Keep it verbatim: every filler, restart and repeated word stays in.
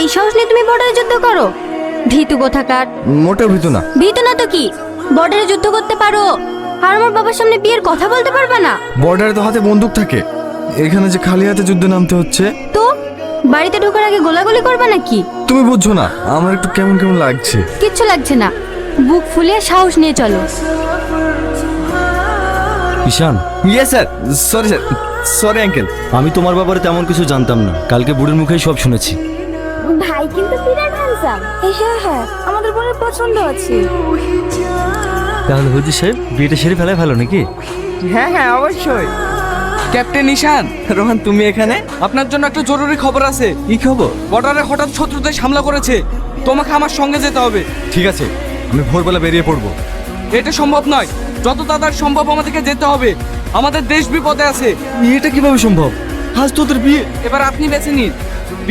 এই সাহস নিয়ে তুমি বর্ডারে যুদ্ধ করো? ভীতু কোথাকার। মোটেও ভীতু না। ভীতু না তো কি? বর্ডারে যুদ্ধ করতে পারো আর আমার বাবার সামনে বিয়ের কথা বলতে পারবে না? বর্ডারে তো হাতে বন্দুক থাকে, এখানে যে খালি হাতে যুদ্ধে নামতে হচ্ছে। তো বাড়িতে ঢোকার আগে গোলাগুলি করবে নাকি? তুমি বুঝছো না, আমার একটু কেমন কেমন লাগছে। কিচ্ছু লাগছে না, বুক ফুলিয়ে সাহস নিয়ে চলো। Ishaan, yes sir. Sorry sir, sorry uncle. আমি তোমার ব্যাপারে তেমন কিছু জানতাম না, কালকে বুড়ির মুখেই সব শুনেছি। ভাই কিন্তু বিরাট হ্যান্ডসাম। হ্যাঁ হ্যাঁ, আমাদের বোনের পছন্দ আছে। তাহলে হুজুর সাহেব বিয়েটা সেরে ফেলায় ভালো নাকি? হ্যাঁ হ্যাঁ অবশ্যই। ক্যাপ্টেন ঈশান, রোহান তুমি এখানে? আপনার জন্য একটা জরুরি খবর আছে। কি খবর? বর্ডারে হঠাৎ শত্রুদের হামলা করেছে, তোমাকে আমার সঙ্গে যেতে হবে। ঠিক আছে, আমি ভোরবেলা বেরিয়ে পড়বো। এটা সম্ভব নয়, যত তাড়াতাড়ি সম্ভব আমাদেরকে যেতে হবে, আমাদের দেশ বিপদে আছে। এটা কিভাবে সম্ভব? আজ তোদের বিয়ে। এবার আপনি বেছে নিন,